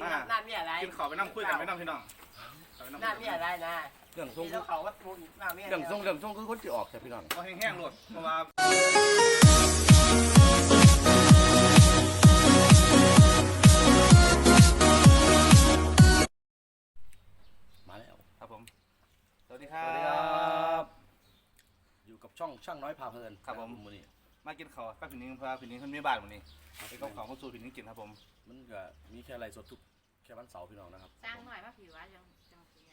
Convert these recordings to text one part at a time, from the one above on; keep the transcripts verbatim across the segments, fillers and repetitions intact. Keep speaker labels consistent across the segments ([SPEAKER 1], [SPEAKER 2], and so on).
[SPEAKER 1] น้ามีอะไร
[SPEAKER 2] กินข้าวไปนั่งคุยกันไปนั่งพี่น้อง
[SPEAKER 1] น้ามีอะไรนะ
[SPEAKER 3] เรื่องทรง
[SPEAKER 1] เขาว่าพูดน้ามี
[SPEAKER 3] เรื่องทรงเรื่องทรงคือคนที่ออกใช่พี่น้อง
[SPEAKER 2] ก็แห้งๆหลดเพราะว่า
[SPEAKER 3] มาแล้ว
[SPEAKER 2] ครับผมสวัสดีครั
[SPEAKER 3] สวัสดีครับบอยู่กับช่องช่างน้อยพาเพลิน
[SPEAKER 2] ครับผม
[SPEAKER 3] มื้อนี้
[SPEAKER 2] มากินข้าวป้าผินนิ้งเพราะผินนิ้งเพิ่นมีบ้านมื้อนี้ไปกับข้าวมาสู่ผินนิ้งกินครับผม
[SPEAKER 3] มันก็มีแค่ไรสดทุกแค่วันเสาร์พี่น้องนะครับ
[SPEAKER 4] สร้างหน่อยมาผิวว่าจังจังสิไง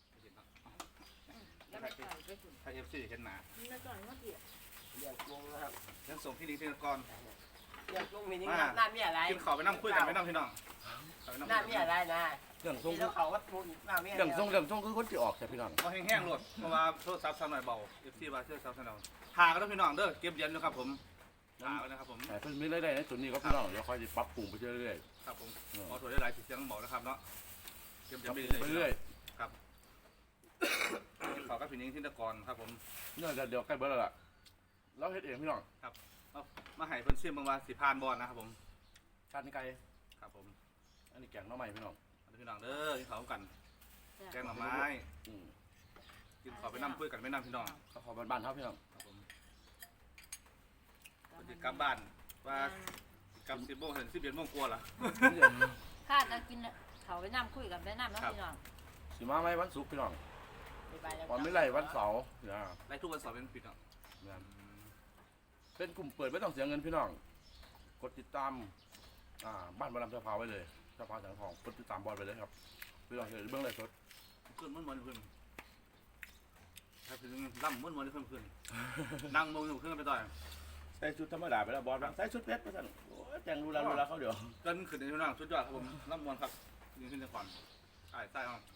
[SPEAKER 4] แล้วไม่ต่อยไปฝุ่น
[SPEAKER 2] ไทย เอฟ ซี เห็นหน้า
[SPEAKER 4] ไม่ต่อยมาเกี่ยว
[SPEAKER 1] เรียกลุงนะครับ
[SPEAKER 2] เรื่องส่งพี่นิ้งที่นคร
[SPEAKER 1] เรียกลุงมีนี่น้ามีอะไร
[SPEAKER 2] กินข้าวไปนั่งคุยกันไปนั่งพี่น้อง
[SPEAKER 1] น้ามีอะไรนะ
[SPEAKER 3] เรื่องทรง
[SPEAKER 1] เขาว่าพูดน้ามี
[SPEAKER 3] เรื่องทรงเรื่องทรงคือคนที่ออกใช่พี่น้อง
[SPEAKER 2] ก็แห้งๆหลดเพราะว่าโทรศัพท์สั่นหน่อยเบา เอฟ ซี ว่าโทรศัพท์สั่นหน่อยหากันแล้วพี่น้องเด้อเก็บเย็นนะครับผมหาไว้นะครับผม
[SPEAKER 3] แต่เพิ่นมีรายได้ในจุดนี้ก็พี่น้องเดี๋ยวค่อยจะปรับปรุงไปเรื่อย
[SPEAKER 2] ๆครับผมขอถอยได้หลายสิเสียงบอกนะครับเนาะเก็บเย็นไปเรื่อยๆครับกินข้าวกับพี่นิ้งที่นครครับผม
[SPEAKER 3] เนี่ยเดี๋ยวใกล้เบิร์ดแล้วล่ะเราเฮ็ดเองพี่น้อง
[SPEAKER 2] ครับเอามาให้เพิ่นซิมบางว่าสิพานบอลนะครับผม
[SPEAKER 3] ชาตินี้ไกล
[SPEAKER 2] ครับผม
[SPEAKER 3] อันนี้แกงน้องใหม่พี่น้อง
[SPEAKER 2] อันนี้พี่น้องเด้อกินข้าวกันแกงหน่อไม้กินข้าวไปนั่งคุยกันไปนั่งพี่น้อง
[SPEAKER 3] ข้าวบ้านๆครับพี่น้อง
[SPEAKER 2] ครับผมจะกลับบ้านว่ากลับสิบโมงถึงสิบเอ็ดโมงกลัวเหรอ
[SPEAKER 4] ข้าจะกินเขาไปนั่งคุยกันไปนั่งน้องพี่น้อง
[SPEAKER 3] สิมาไหมวันศุกร์พี่น้องวันไม่ไรวันเสาร์เนี่ย
[SPEAKER 2] ไรทุกวันเสาร์เป็นพี่น้อง
[SPEAKER 3] เป็นกลุ่มเปิดไม่ต้องเสียเงินพี่น้องกดติดตามอ่าบ้านบอลลำเจ้าพาไว้เลยเจ้าพาแสงทองกดติดตามบอลไปเลยครับพี่น้องเห็นเบื้องเลยสด
[SPEAKER 2] ขึ้นม้วนม้วนขึ้นถ้าถึงล่ำม้วนม้วนขึ้นขึ้นนั่งมองอยู่ขึ้นไปต่อย
[SPEAKER 3] ใส่ชุดธรรมดาไปแล้วบอลใส่ชุดเพชรไปสั่นโอ้แจงรูลารูลาเขาเดี๋ยว
[SPEAKER 2] กันขึ้นในพี่น้องชุดยอดครับผมล่ำม้วนครับยืนขึ้นในขวัญใต้ใต้ห้อง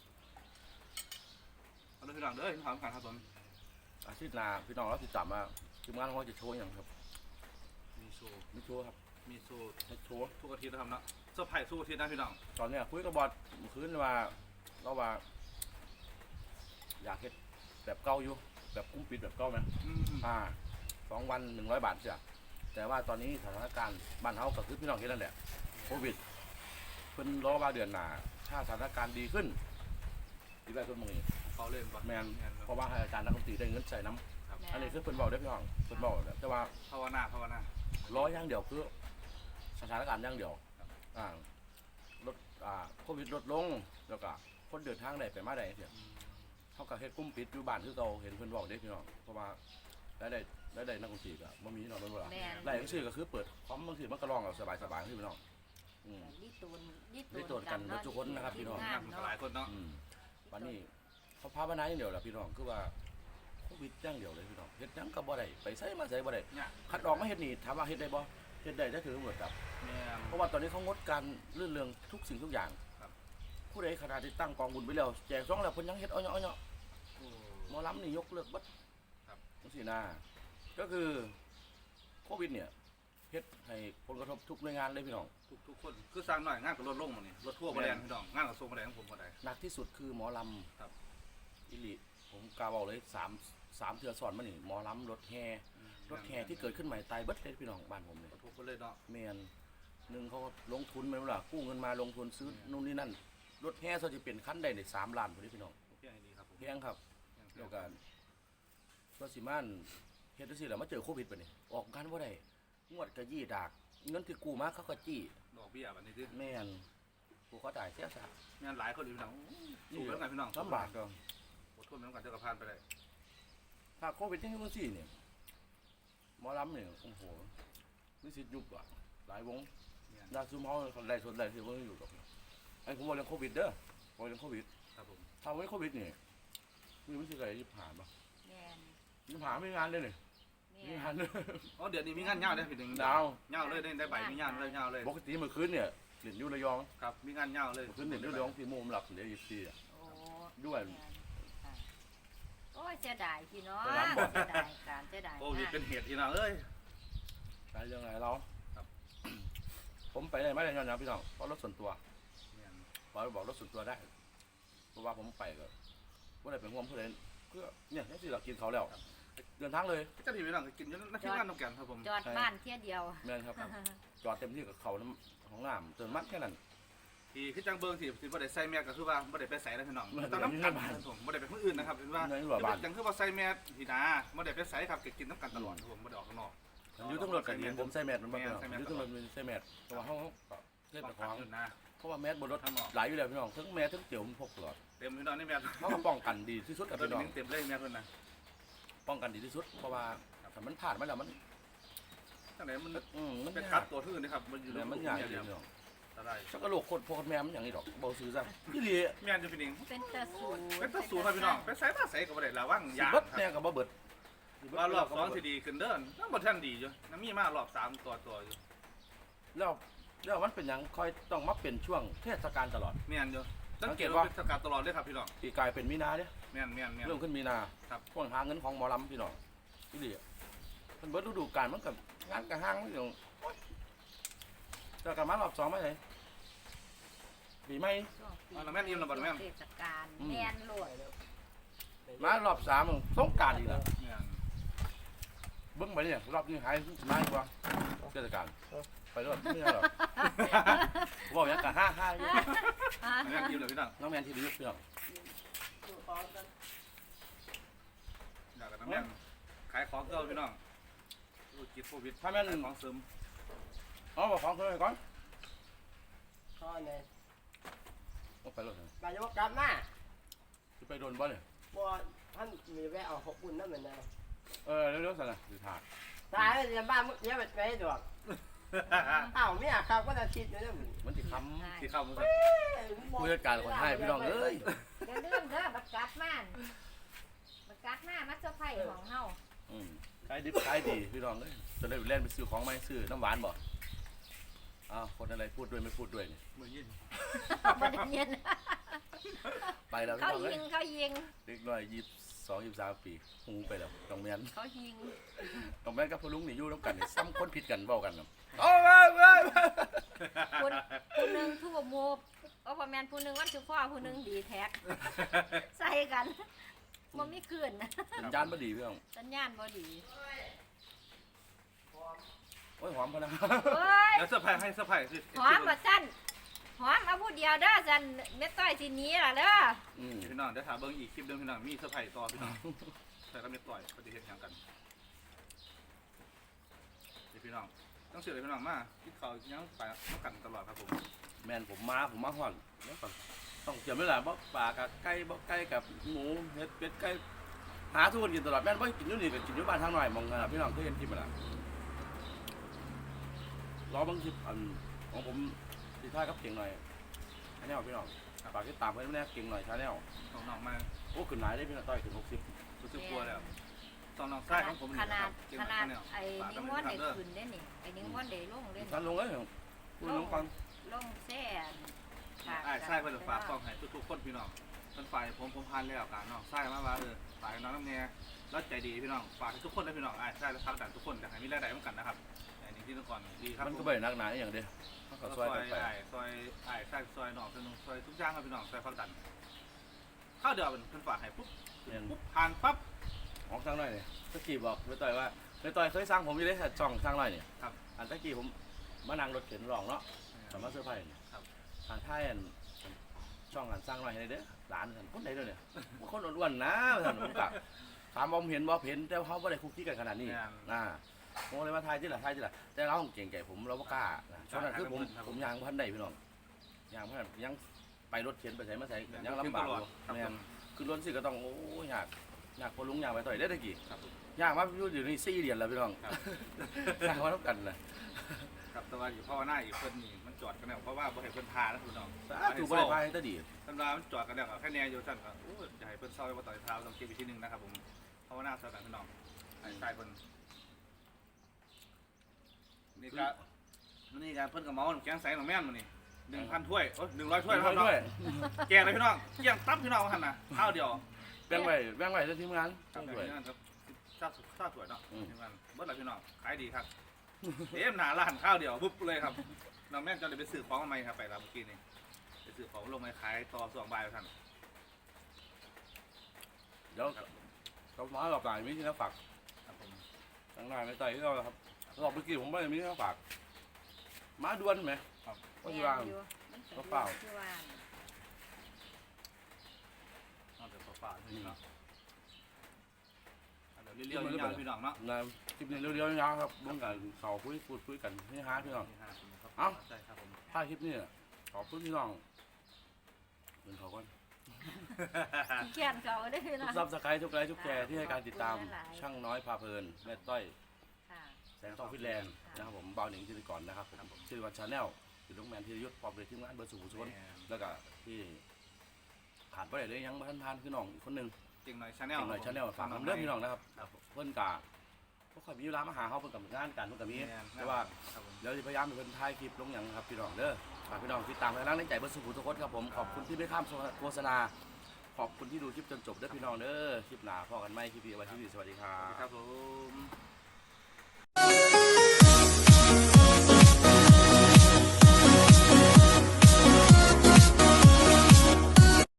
[SPEAKER 2] เอาพี่น้องเด้อถามกันครับผม
[SPEAKER 3] อาทิตย์หน้าพี่น้องเราติดตามมาทีมงานเขาจะโชว์อย่างครับ
[SPEAKER 2] มีโชว์
[SPEAKER 3] มีโชว์ครับ
[SPEAKER 2] มีโชว์
[SPEAKER 3] โชว์
[SPEAKER 2] ทุกอาทิตย์นะครับเนาะเซอร์ไพรส์ทุกอาทิตย์นะพี่น้อง
[SPEAKER 3] ตอนนี้คุยกับบอลคืนว่าเราว่าอยากเฮ็ดแบบเก่าอยู่แบบกุ้มปิดแบบเก่าไหมอ่าสองวันหนึ่งร้อยบาทเสียแต่ว่าตอนนี้สถานการณ์บ้านเฮากับคือพี่น้องเห็นนั่นแหละโควิดเพิ่นรอว่าเดือนหน้าถ้าสถานการณ์ดีขึ้นดีได้ต้นมือ
[SPEAKER 2] เขาเล่นป่ะ
[SPEAKER 3] แมนเพราะว่าให้อาจารย์นักดนตรีได้เงินใส่น้ำอันนี้คือเพิ่นบอกได้พี่น้องเพิ่นบอกแต่ว่า
[SPEAKER 2] ภาวนาภาวนา
[SPEAKER 3] ร้อยอย่างเดียวคือสถานการณ์อย่างเดียวอ่าลดอ่าโควิดลดลงแล้วก็คนเดินทางได้ไปมาได้เสียเท่ากับเฮ็ดกุ้มปิดอยู่บ้านคือเราเห็นเพิ่นบอกได้พี่น้องเพราะว่าได้ได้ได้ได้นักดนตรีก็บ่มีน้องเพิ่นว่าได้จังซี่ก็คือเปิดพร้อมบางทีมันก็ร้องเอาสบายๆพี่น้อง
[SPEAKER 4] อืมนี่ตูน
[SPEAKER 3] นี่ตูนกันทุกคนนะครับพี่น้อง
[SPEAKER 2] หลายคนเนาะ
[SPEAKER 3] วันนี้เขาพาไปไหนอย่างเดียวแหละพี่น้องคือว่าโควิดอย่างเดียวเลยพี่น้องเฮ็ดยังก็บ่ได้ไปใส่มาใส่บ่ได้คัดออกมาเฮ็ดนี่ถามว่าเฮ็ดได้บ่เฮ็ดได้ได้ถือหมดครับเพราะว่าตอนนี้เขางดการเรื่องเรื่องทุกสิ่งทุกอย่างผู้ใดขนาดที่ตั้งกองบุญไปแล้วแจกซองแล้วเพิ่นยังเฮ็ดเอาเนาะเอาเนาะหมอลำนี่ยกเลิกบัดครับจังซี่นะก็คือโควิดเนี่ยเฮ็ดให้ผลกระทบทุกหน่วยงานเลยพี่น้อง
[SPEAKER 2] ทุกทุกคนคือสร้างหน่อยงานกับรถลงมานี่รถทั่วมาแรงพี่น้องงานกับทรงมาแรงของผมก็ได้
[SPEAKER 3] หนักที่สุดคือหมอลำครับอิลิผมกล่าวบอกเลยสามสามเทือสอนมานี่หมอลำรถแห่รถแห่ที่เกิดขึ้นใหม่ตายเบิดเลยพี่น้องบ้านผมเลย
[SPEAKER 2] ทุกคนเลยเนาะ
[SPEAKER 3] เมียนหนึ่งเขาลงทุนไปเมื่อไหร่กู้เงินมาลงทุนซื้อนู่นนี่นั่นรถแห่เขาจะเปลี่ยนคันได้ในสามล้านพอดีพี่น้อง
[SPEAKER 2] เพียงดีครับ
[SPEAKER 3] เพียงครับเดียวกันก็สิมันเฮ็ดได้สิแล้วมาเจอโควิดไปนี่ออกกันว่าได้งวดกระยี่ดากเงินที่กู้มาเขาก็จี้
[SPEAKER 2] ดอกเบี้ยแบบนี้ที่
[SPEAKER 3] แม่นกูเขาจ่ายเสียซะ
[SPEAKER 2] แม่นหลายคนอยู่พี่น้องสู้แล้วไงพี่น้อง
[SPEAKER 3] ลำบากก็
[SPEAKER 2] อดทนเหมือนกันเจ้ากระพานไปเลย
[SPEAKER 3] ถ้าโควิดที่นี่มันสี่เนี่ยหมอลำเนี่ยโอ้โหนิสิตยุบอ่ะหลายวงยาซูมเขาคนใดส่วนใดที่ว่าอยู่กับไอ้ผมบอกเรื่องโควิดเด้อบอกเรื่องโควิด
[SPEAKER 2] ครับผม
[SPEAKER 3] ถ้าไม่โควิดเนี่ยมีวิธีอะไรที่ผ่านปะ
[SPEAKER 4] ยิ่
[SPEAKER 3] งผ่านไม่งานเลยเนี่ยมีงานเลย
[SPEAKER 2] อ๋อเดี๋ยวนี้มีงานเงาได้ผิดหนึ่ง
[SPEAKER 3] ดาว
[SPEAKER 2] เงาเลยได้ได้ใบมีงานเลยเงาเลย
[SPEAKER 3] ปกติเมื่อคืนเนี่ยเหรียญยูระยอง
[SPEAKER 2] ครับมีงานเงาเลย
[SPEAKER 3] คืนเหรียญยูระยองที่มุมหลับเหรียญยี่สิบสี่อ่ะด้วย
[SPEAKER 4] โอ้ยเสียดายพี่น้องเสียดายการเสียดาย
[SPEAKER 2] โควิดเป็นเหตุที่น้องเอ้ย
[SPEAKER 3] ไปเรื่องไหนเราผมไปได้ไม่ได้ย้อนนะพี่น้องเพราะรถส่วนตัวบอกบอกรถส่วนตัวได้เพราะว่าผมไปก็ว่าอะไรเป็นห่วงเพื่อนเพื่อเนี่ยนี่สิเรากินเขาแล้วเดินทางเลย
[SPEAKER 2] ก็ที่พี่น้องกินอยู่นักที่งานน้ำแกงครับผม
[SPEAKER 4] จอดบ้านเที่ยเดียว
[SPEAKER 3] แม่นครับจอดเต็มที่กับเขาน้ำของน้ำเติมมัดแค่นั้น
[SPEAKER 2] ที่คือจังเบิ่งที่ที่บ่ได้ใส่แมสก็คือว่าบ่ได้ไปใส่แล้วพี่น้องต้องน้ำกันผมบ่ได้ไปคนอื่นนะครับเป็นว่าจังคือว่าใส่แมสที่นาบ่ได้ไปใส่ครับก็กินน้ำกันตลอดผมบ่ได้ออกข้างนอก
[SPEAKER 3] อยู่ทั้งรถกันเห็นผมใส่แมสมันบ่เนาะอยู่ทั้งรถมันใส่แมสแต่ว่าเฮาเฮ็ดของเพราะว่าแมสบนรถหลายอยู่แล้วพี่น้องทั้งแมสทั้งเตี๋ยวมันพกตลอด
[SPEAKER 2] เต็มพี่น้องนี่แมส
[SPEAKER 3] เฮาก็ป้องกันดีที่สุดกับ
[SPEAKER 2] ตัว
[SPEAKER 3] พี่น้อง
[SPEAKER 2] นี้เต็มเลยแมสเพิ่นน่ะ
[SPEAKER 3] ป้องกันดีที่สุดเพราะว่าถ้ามันผ่านมาแล้วมัน
[SPEAKER 2] จังได๋มัน
[SPEAKER 3] อืมมัน
[SPEAKER 2] เป็น
[SPEAKER 3] ยา
[SPEAKER 2] คั
[SPEAKER 3] ก
[SPEAKER 2] ดตัวอื่นนะครับมันอยู่
[SPEAKER 3] เดี๋ยวมันยากอยู่พี่น้อง
[SPEAKER 2] อะไร
[SPEAKER 3] ชักกระโหลกโคตรพวกแม่มันอย่างนี้ดอกบ่ซื้อซะอีหลี
[SPEAKER 2] แมสจะเป็นเอง
[SPEAKER 4] เป็นตะสู
[SPEAKER 2] เป็นตะสูครับพี่น้องไปใส่ตาใส่ก็บ่ได้ระวัง
[SPEAKER 3] สิ
[SPEAKER 2] ยาง
[SPEAKER 3] เบิด
[SPEAKER 2] ค
[SPEAKER 3] แน่
[SPEAKER 2] รับ
[SPEAKER 3] ก็บ่เบิด
[SPEAKER 2] ว่ารอบสองสิดีขึ้นเด้อยังบ่ทันดีอยู่น้ำมีมารอบสามตัวตัวอยู่
[SPEAKER 3] แล้วแล้วมันเป็นหยังคอยต้องมาเป็นช่วงเทศกาลตลอด
[SPEAKER 2] แม่นอยู่สังเกตว่าเป็นสกัดตลอดเลยครับพี่น้อง
[SPEAKER 3] ปีกลายเป็นมีนาเด้
[SPEAKER 2] แม่นแม่นแม่น
[SPEAKER 3] เริ่มขึ้นมีนา
[SPEAKER 2] ครับ
[SPEAKER 3] ช่วงหาเงินของหมอลำพี่น้องอีหลีมันเบิดฤดูกาลมันกับงานกับห้างพี่น้องโอ๊ยเจอกันมารอบสองไหมเลยปีใหม่
[SPEAKER 4] เทศกาลแม่นโลด
[SPEAKER 3] มารอบสามมันสงกรารอีกแล้ว
[SPEAKER 2] แม่น
[SPEAKER 3] เบิ้งไปเนี่ยรอบนี้หายสบายกว่าเทศกาลไปรอบไม่ใช่หรอกบอกอย่างกับห้าห้าอยู่
[SPEAKER 2] แม่นยิ้มเลยพี่น้อง
[SPEAKER 3] น้องแมนที่ดีพี่น้อง
[SPEAKER 2] อยากกันน้ำแม่นขายของเก่าพี่น้องธุรกิจโควิด
[SPEAKER 3] ถ้าแม่น
[SPEAKER 2] ขายของเสริม
[SPEAKER 3] เอาบอกของเขาไปก่อน
[SPEAKER 1] ข้อเนี่ย
[SPEAKER 3] เอาไปรถ
[SPEAKER 1] นายกกลับมา
[SPEAKER 3] จะไปโดนบ่เนี่ย
[SPEAKER 1] บ่ท่านมีแวะเอาหกบุญนั่นเหมือนเดิม
[SPEAKER 3] เออเร็วๆสินะสิถ่าย
[SPEAKER 1] ตายแล้วจะบ้านมึงเยอะไปไหนดอกอ้าวไม่อยากครับก็จะคิดอยู่เนี่ยมึง
[SPEAKER 3] มันติดค
[SPEAKER 2] ที่เข้ามา
[SPEAKER 3] ำผู้จัดการคนให้พี่น้องเอ้ย
[SPEAKER 4] เดี๋ยวเรื่องเด้อบักกัดมันบักกัดมามัดเจ้าไผ่ของเฮา
[SPEAKER 3] อืมขายดิบขายดีพี่น้องเอ้ยจะได้ไปเล่นไปซื้อของไหมซื้อน้ำหวานบ่อ้าวคนอะไรพูดด้วยไม่พูดด้วยนี่
[SPEAKER 2] มือยิน
[SPEAKER 4] บ่ได้ยิน
[SPEAKER 3] ไปแล้วพี่
[SPEAKER 4] เขา
[SPEAKER 3] น้องเอ้
[SPEAKER 4] ยิ
[SPEAKER 3] ย
[SPEAKER 4] งเขายิง
[SPEAKER 3] เด็กน้อยยี่สิบสองยี่สิบสามปีหูไปแล้วต้องแมน
[SPEAKER 4] เขายิง
[SPEAKER 3] ต้องแมนกับพ่อลุงนี่อยู่น้ำกันนี่ซ้ำคนผิดกันเบ้ากันนะโอ้ยว้ายว้าย
[SPEAKER 4] คนผู้หนึงทุกโมบเอาบ่แม่นผู้หนึงวันสุพ่อผู้หนึงดีแท็กใส่กันบ่มีคืนนะ
[SPEAKER 3] สัญญาณบ่ดีพี่น้อง
[SPEAKER 4] สัญญาณบ่ดี
[SPEAKER 3] โอ้ยหอมพะนะ
[SPEAKER 4] เฮ้ย
[SPEAKER 2] แล้วเสื้อผ้าให้เสื้อผ้าคือ
[SPEAKER 4] หอมบ่ซั่นหอมเอาผู้เดียวเด้อซั่นเม็ดต้อยสิหนีล่ะเด้อ
[SPEAKER 3] อืม
[SPEAKER 2] พี่น้องเดี๋ยวถามเบิ้งอีกคลิปเดิมพี่น้องมีเสื้อผ้าต่อพี่น้องใส่กระเม็ดต่อยปฏิเสธอย่างกันพี่น้องต้องเสือเลยพี่น้องมาที่เขายังไปต้องกันตลอดครับผม
[SPEAKER 3] แมนผมมาผมมาห่อนแล้วก็ต้องเกี่ยวไม่หลายบ่ปลากับไก่บ่ไก่กับหมูเห็ดเป็ดไก่หาทุกคนกินตลอดแม่นบ่กินอยู่นี่ก็กินอยู่บ้านทางหน่อยมองกันนะพี่น้องเคยเห็นคลิปมั้ยล่ะรอบางคลิปอันของผมที่ท้ายกับเก่งหน่อยชาแนลพี่น้องฝากติดตามเพิ่นแน่เก่งหน่อยชาแนล
[SPEAKER 2] น้องๆมา
[SPEAKER 3] โอ้ขึ้นหลายได้พี่น้องต้อยถึงหกสิบ
[SPEAKER 2] รู้สึกกลัวแล้วตอนน้องไส้ของผม
[SPEAKER 4] ขนาด
[SPEAKER 2] เก่ง
[SPEAKER 4] ข
[SPEAKER 2] มา
[SPEAKER 4] นาด
[SPEAKER 2] กเนี่ย
[SPEAKER 4] ไอ้นิ้งม่อนได้ขึ้นได้นี่ไอ้นิ้งม่อนได้ลงได้
[SPEAKER 3] ท่านลงเลยพูดน้องฟัง
[SPEAKER 4] ลงแซ่
[SPEAKER 2] ไอ้ไส้เพิ่นฝากกล้องให้ทุกๆคนพี่น้องเพิ่นฝ่ายผมผมพานแล้วกันน้องไส้มาว่าเออฝ่ายน้องน้ำแน่แล้วใจดีพี่น้องฝากให้ทุกคนนะพี่น้องไอ้ไส้และพักดันทุกคนอยากให้มีรายได้เหมือนกันนะครับอันนี้ที่นครดีครับ
[SPEAKER 3] มันก็ไม่ได้นักหนาอย่างเดียวมันก็
[SPEAKER 2] ซ
[SPEAKER 3] ซ
[SPEAKER 2] อ
[SPEAKER 3] อย ยกันไป
[SPEAKER 2] ไอ้ซอยไอ้ไส้ซอยหนองซอยซอยทุกอย่างครับพี่น้องซอยพักดันข้าวเดียวเป็นเพิ่นฝากให้ปุ๊บปุ๊บผ่านปั๊บ
[SPEAKER 3] ของสร้างหน่อยเนี่ยตะกี้บอกไปต่อยว่าไปต่อยเคยสร้างผมอยู่เลยช่องสร้างหน่อยเนี่ย
[SPEAKER 2] ครับ
[SPEAKER 3] อันตะกี้ผมมานั่งรถเข็นรองเนาะสามารถเสื้อผ้าเนี่ย
[SPEAKER 2] ครับ
[SPEAKER 3] ทางท้ายอันช่องอันสร้างหน่อยให้เด้อหลานท่านคนไหนเด้อเนี่ยคนอ้วนๆนะท่านผมกะถามว่าผมเห็นบ่เห็นแต่เขาไม่ได้คุกกี้กันขนาดนี้อ่าผมเลยมาทายที่ละทายที่ละแต่เราเก่งใจผมเราไม่กล้าช่วงนั้นคือผมผมยางพันได้พี่น้องยางพันยังไปรถเข็นไปใส่มาใส่ยังลำบากอยู่แม่นคือรถสิก็ต้องโอ้ยากยากพอลุงยางไปต่อยได้ตะกี้
[SPEAKER 2] ครับ
[SPEAKER 3] ยากมากพี่อยู่นี่สี่เดือนแล้วพี่น้องยากมาต้องกันเลย
[SPEAKER 2] ครับแต่ว่าอยู่พ่อหน้าอีกเพิ่นนี่มันจอดกันแล้วเพราะว่าบ่ให้เพิ่นพานะพี่น้อง
[SPEAKER 3] ถูกบริพายตะดี
[SPEAKER 2] ตำรามันจอดกันแล้วแค่แนวอยู่สั่นครับโอ้ยอย่าให้เพิ่นเศร้ามาต่อยเท้าต้องเก็บอีกทีนึงนะครับผมเพราะว่าหน้าสถานพี่น้องไอ้ชายเพิ่นนี่ก็นี่การเพิ่นกับเมาแกงใส่หนองแม่นมื้อนี้หนึ่งพันถ้วยโอ้ยหนึ่งร้อยถ้วยนะครับน้องแกงเลยพี่น้องเกี่ยงตับพี่น้องหั่นน่ะข้าวเดียว
[SPEAKER 3] แบ่งไว้แบ่งไว้จะทีมงาน
[SPEAKER 2] ครับ
[SPEAKER 3] ด้วย
[SPEAKER 2] นี่ครับซาซาสวยเนาะทีมงานเบิดละพี่น้องขายดีครับเอ็มหนาร้านข้าวเดียวปุ๊บเลยครับน้องแม่นจะเลยไปซื้อของมาใหม่ครับไปแล้วเมื่อกี้นี่ไปซื้อของลงมาขายต่อสองใบท่าน
[SPEAKER 3] เดี๋ยวเขามาหลอกหลายมีที่น่าฝาก
[SPEAKER 2] ครับผม
[SPEAKER 3] ทั้งนายไม่ต่อยที่เราครับหลอกเมื่อกี้ผมไม่ได้มีที่น่าฝากมาด่วนไหม
[SPEAKER 2] ครับ
[SPEAKER 3] ก็อยู่ว่า
[SPEAKER 4] อยู่มัน
[SPEAKER 3] ก็เปล่า
[SPEAKER 4] คือว่า
[SPEAKER 2] เอาแต่เปล่าๆพี่น้องเดี๋ยวเรียวๆยาวๆพี่น้องเนาะ
[SPEAKER 3] นะคลิปนี้เรียวๆยาวๆครับร่วมกันเขาคุยพูดคุยกันให้ฮาพี่น้อง เอ้า
[SPEAKER 2] ใช่ครับผม
[SPEAKER 3] ถ้าคลิปนี้ขอบคุณพี่น้องเงินเขาก่อน
[SPEAKER 4] ขี้เกียจเขาได้อ
[SPEAKER 3] ทุก
[SPEAKER 4] เนาะ
[SPEAKER 3] ซับสไครต์ทุกไลค์ทุกแชร์ที่ให้การติดตามช่างน้อยพาเพลินแม่ต้อย
[SPEAKER 4] ค่ะ
[SPEAKER 3] แสงทองฟินแลนด์นะครับผมเบาหนิงจิตรกรนะครับผมชื่อวันชาแนลคือลุงแมนธีรยุทธ์พร้อมด้วยทีมงานเบอร์สูงสุดแล้วก็ที่ขาดไปเลยยังบ้านทานคือน้องอีกคนหนึ่ง
[SPEAKER 2] เก่งหน่อยชาแนล
[SPEAKER 3] เก่งหน่อยชาแนลฝากน้ำเลือดพี่น้องนะครับเพื่อนกาก็ค่อยมีเวลามาหาเขาเพื่อนกับงานกันเพื่อนกับมีแต่ว่า
[SPEAKER 2] ครับผม
[SPEAKER 3] เดี๋ยวจะพยายามเป็นคนถ่ายคลิปลงอย่างครับพี่น้องเด้อฝากพี่น้องติดตามให้ร่างในใจเบอร์สูงทุกคนครับผมขอบคุณที่ไม่ข้ามโฆษณาขอบคุณที่ดูคลิปจนจบเด้อพี่น้องเด้อคลิปหนาพอกันไหมคลิปนี้ไว้ที่นี่สวัสดีครั
[SPEAKER 2] ครับ บผม